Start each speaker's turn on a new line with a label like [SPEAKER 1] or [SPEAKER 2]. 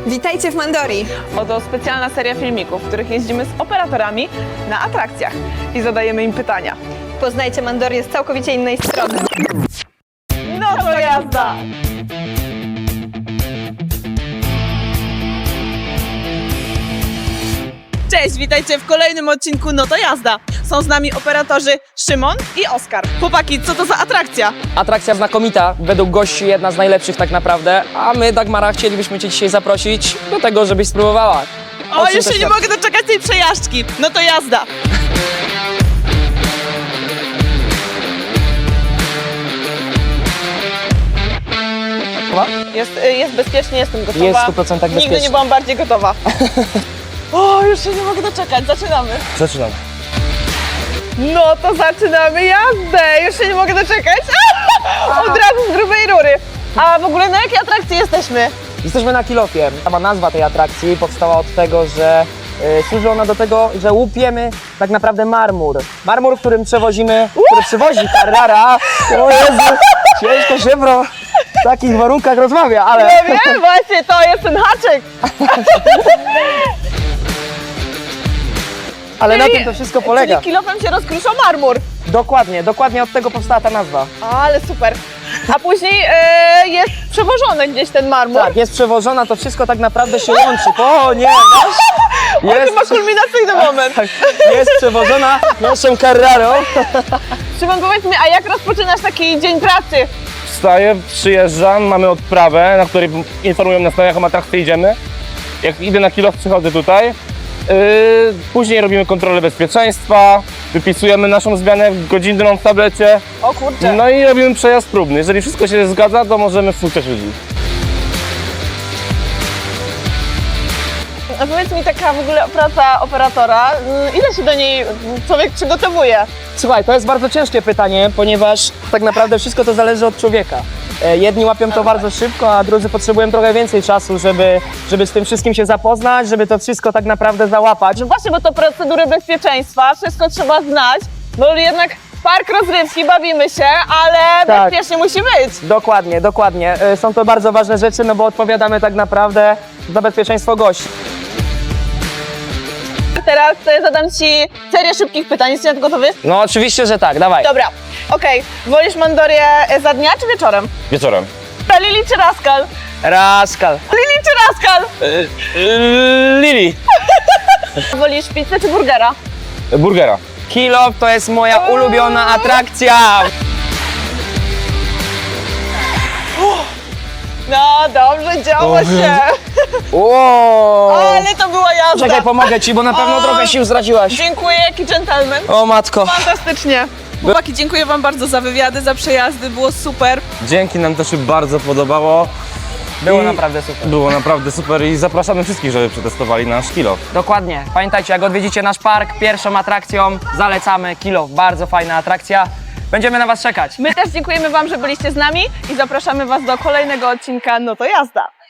[SPEAKER 1] Witajcie w Mandorii!
[SPEAKER 2] Oto specjalna seria filmików, w których jeździmy z operatorami na atrakcjach i zadajemy im pytania.
[SPEAKER 1] Poznajcie Mandorię z całkowicie innej strony.
[SPEAKER 2] No to jazda! Cześć, witajcie w kolejnym odcinku No to jazda. Są z nami operatorzy Szymon i Oskar. Chłopaki, co to za atrakcja?
[SPEAKER 3] Atrakcja znakomita, według gości jedna z najlepszych tak naprawdę, a my, Dagmara, chcielibyśmy Cię dzisiaj zaprosić do tego, żebyś spróbowała.
[SPEAKER 2] O,
[SPEAKER 3] czym
[SPEAKER 2] już
[SPEAKER 3] to
[SPEAKER 2] się nie
[SPEAKER 3] świadczy?
[SPEAKER 2] mogę doczekać tej przejażdżki. No to jazda! Jest bezpiecznie, jestem gotowa.
[SPEAKER 3] Jest w 100% bezpiecznie.
[SPEAKER 2] Nigdy nie byłam bardziej gotowa. O, już się nie mogę doczekać. Zaczynamy.
[SPEAKER 3] Zaczynamy.
[SPEAKER 2] No to zaczynamy jazdę. Już się nie mogę doczekać. Od razu z grubej rury. A w ogóle na jakiej atrakcji jesteśmy?
[SPEAKER 3] Jesteśmy na Kilofie. Sama nazwa tej atrakcji powstała od tego, że służy ona do tego, że łupiemy tak naprawdę marmur. Marmur, którym przewozimy, który przywozi Carrara. O Jezu, ciężko się w takich warunkach rozmawia, ale...
[SPEAKER 2] Ja wiem, właśnie, to jest ten haczyk.
[SPEAKER 3] Ale na tym to wszystko polega.
[SPEAKER 2] Czyli kilofem się rozkrusza marmur.
[SPEAKER 3] Dokładnie od tego powstała ta nazwa.
[SPEAKER 2] Ale super. A później jest przewożony gdzieś ten marmur.
[SPEAKER 3] Tak, jest przewożona, to wszystko tak naprawdę się łączy. O nie, masz?
[SPEAKER 2] To chyba kulminacyjny moment.
[SPEAKER 3] Tak, jest przewożona naszą Carrarą.
[SPEAKER 2] Szymon, powiedz mi, a jak rozpoczynasz taki dzień pracy?
[SPEAKER 4] Wstaję, przyjeżdżam, mamy odprawę, na której informują nas, na jaką atrakcję idziemy. Jak idę na kilof, przychodzę tutaj. Później robimy kontrolę bezpieczeństwa, wypisujemy naszą zmianę godzinną w tablecie.
[SPEAKER 2] O kurczę.
[SPEAKER 4] No i robimy przejazd próbny. Jeżeli wszystko się zgadza, to możemy wpuszczać ludzi.
[SPEAKER 2] A powiedz mi, taka w ogóle praca operatora, ile się do niej człowiek przygotowuje?
[SPEAKER 3] Słuchaj, to jest bardzo ciężkie pytanie, ponieważ tak naprawdę wszystko to zależy od człowieka. Jedni łapią to bardzo szybko, a drudzy potrzebują trochę więcej czasu, żeby z tym wszystkim się zapoznać, żeby to wszystko tak naprawdę załapać.
[SPEAKER 2] No właśnie, bo to procedury bezpieczeństwa, wszystko trzeba znać, bo jednak park rozrywki, bawimy się, ale
[SPEAKER 3] Tak.
[SPEAKER 2] bezpiecznie musi być.
[SPEAKER 3] Dokładnie. Są to bardzo ważne rzeczy, no bo odpowiadamy tak naprawdę za bezpieczeństwo gości.
[SPEAKER 2] Teraz zadam Ci serię szybkich pytań, jesteś na to gotowy?
[SPEAKER 3] No oczywiście, że tak, dawaj.
[SPEAKER 2] Dobra, okej. Wolisz Mandorię za dnia czy wieczorem?
[SPEAKER 4] Wieczorem.
[SPEAKER 2] Lili czy Raskal?
[SPEAKER 3] Raskal.
[SPEAKER 2] Lili czy Raskal?
[SPEAKER 4] Lili.
[SPEAKER 2] Wolisz pizzę czy burgera?
[SPEAKER 4] Burgera.
[SPEAKER 3] Kilof to jest moja ulubiona atrakcja.
[SPEAKER 2] No dobrze, działo się.
[SPEAKER 3] Wow.
[SPEAKER 2] Ale to była jazda.
[SPEAKER 3] Czekaj, pomogę Ci, bo na pewno
[SPEAKER 2] O.
[SPEAKER 3] trochę sił zdradziłaś.
[SPEAKER 2] Dziękuję, jaki dżentelmen.
[SPEAKER 3] O matko.
[SPEAKER 2] Fantastycznie. Chłopaki, dziękuję Wam bardzo za wywiady, za przejazdy, było super.
[SPEAKER 4] Dzięki, nam też się bardzo podobało.
[SPEAKER 3] Było
[SPEAKER 4] I
[SPEAKER 3] naprawdę super.
[SPEAKER 4] Było naprawdę super i zapraszamy wszystkich, żeby przetestowali nasz kilof.
[SPEAKER 3] Dokładnie. Pamiętajcie, jak odwiedzicie nasz park, pierwszą atrakcją zalecamy Kilof. Bardzo fajna atrakcja. Będziemy na Was czekać.
[SPEAKER 2] My też dziękujemy Wam, że byliście z nami i zapraszamy Was do kolejnego odcinka No to jazda.